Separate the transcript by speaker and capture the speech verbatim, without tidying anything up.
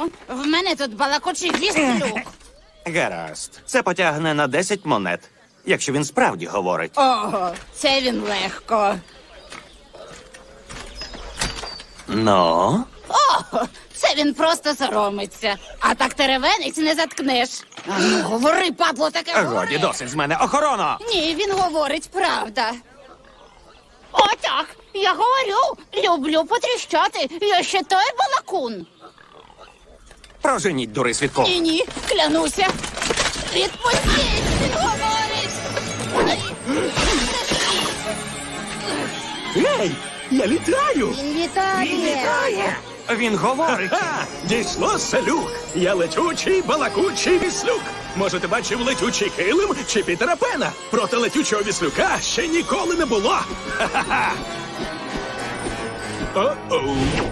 Speaker 1: О, в мене тут балакучий віслюк.
Speaker 2: Гаразд. Це потягне на десять монет, якщо він справді говорить.
Speaker 1: Ого, це він легко.
Speaker 2: Ну?
Speaker 1: О, це він просто соромиться. А так теревенець не заткнеш. А ну, говори, падло, таке говори.
Speaker 2: Годі, досить з мене. Охорона!
Speaker 1: Ні, він говорить правда. О, так, я говорю, люблю потріщати. Я ще той балакун.
Speaker 2: Проженіть, дури свідку.
Speaker 1: Ні, ні, клянуся. Відпустіть, він говорить.
Speaker 3: Ей, я літаю!
Speaker 1: Він літає.
Speaker 2: Він говорить.
Speaker 3: Ха! Дійшло селюк! Я летючий, балакучий віслюк! Може, ти бачив летючий килим чи Пітера Пена? Проти летючого віслюка ще ніколи не було! Ха-ха-ха! О-оу!